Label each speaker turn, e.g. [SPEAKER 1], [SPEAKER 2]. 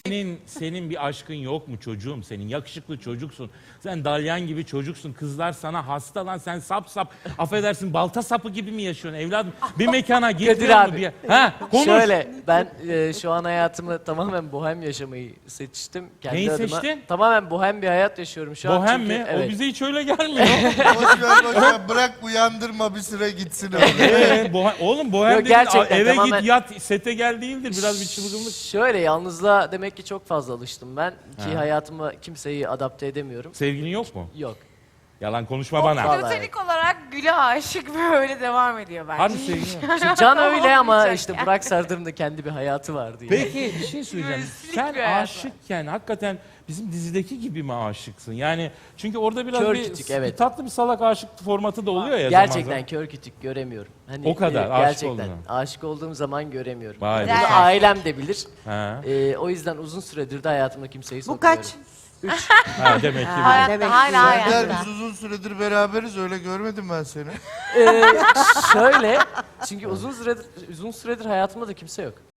[SPEAKER 1] Senin bir aşkın yok mu çocuğum senin? Yakışıklı çocuksun. Sen dalyan gibi çocuksun. Kızlar sana hasta lan. Sen sap. Affedersin, balta sapı gibi mi yaşıyorsun evladım? Bir mekana gitmiyor mu?
[SPEAKER 2] abi.
[SPEAKER 1] Ha, konuş.
[SPEAKER 2] Şöyle, ben şu an hayatımı tamamen bohem yaşamayı seçtim. Kendi
[SPEAKER 1] Neyi
[SPEAKER 2] adıma.
[SPEAKER 1] seçtin?
[SPEAKER 2] Tamamen bohem bir hayat yaşıyorum şu an.
[SPEAKER 1] Bohem
[SPEAKER 2] çünkü,
[SPEAKER 1] mi?
[SPEAKER 2] Evet.
[SPEAKER 1] O bize hiç öyle gelmiyor.
[SPEAKER 3] Boş ver, bırak uyandırma bir süre gitsin öyle.
[SPEAKER 1] Oğlum bohem
[SPEAKER 2] Yok,
[SPEAKER 1] dedin,
[SPEAKER 2] gerçekten
[SPEAKER 1] eve
[SPEAKER 2] tamamen-
[SPEAKER 1] git yat sete gel değildir. Biraz bir çılgınlık.
[SPEAKER 2] Şöyle, yalnızlığa demek ki çok fazla alıştım ben. Ki
[SPEAKER 1] Ha.
[SPEAKER 2] hayatıma kimseyi adapte edemiyorum.
[SPEAKER 1] Sevgilin yok mu?
[SPEAKER 2] Yok.
[SPEAKER 1] Yalan konuşma bana.
[SPEAKER 2] Vallahi.
[SPEAKER 4] Platonik olarak Gül'e aşık ve öyle devam ediyor bence.
[SPEAKER 1] Harbi sevgilin yok.
[SPEAKER 2] Şimdi Can öyle ama
[SPEAKER 4] Olmayacak
[SPEAKER 2] işte
[SPEAKER 4] yani.
[SPEAKER 2] Burak Sardır'ın da kendi bir hayatı vardı. Yani.
[SPEAKER 1] Peki bir şey söyleyeceğim.
[SPEAKER 4] Müzislik
[SPEAKER 1] Sen
[SPEAKER 4] bir hayat
[SPEAKER 1] aşıkken hakikaten bizim dizideki gibi mi aşıksın? Yani çünkü orada biraz
[SPEAKER 2] Kör
[SPEAKER 1] bir,
[SPEAKER 2] kütük, evet.
[SPEAKER 1] bir tatlı bir salak aşık formatı da oluyor ya
[SPEAKER 2] Gerçekten
[SPEAKER 1] zaman zaman.
[SPEAKER 2] kör kütük göremiyorum. Hani,
[SPEAKER 1] O kadar, aşık
[SPEAKER 2] gerçekten
[SPEAKER 1] olduğunu.
[SPEAKER 2] aşık olduğum zaman göremiyorum.
[SPEAKER 1] Vay
[SPEAKER 2] Bunu
[SPEAKER 4] be.
[SPEAKER 2] ailem de bilir.
[SPEAKER 1] Ha.
[SPEAKER 2] O yüzden uzun süredir de hayatımda kimseyi
[SPEAKER 5] Bu
[SPEAKER 2] sokmuyorum.
[SPEAKER 5] kaç?
[SPEAKER 1] Ha, demek ki
[SPEAKER 4] Hayatta
[SPEAKER 5] Demek ki
[SPEAKER 4] hala
[SPEAKER 3] Serdar,
[SPEAKER 4] hayatta.
[SPEAKER 3] biz uzun süredir beraberiz, öyle görmedim ben seni.
[SPEAKER 2] Şöyle, çünkü uzun süredir hayatımda da kimse yok.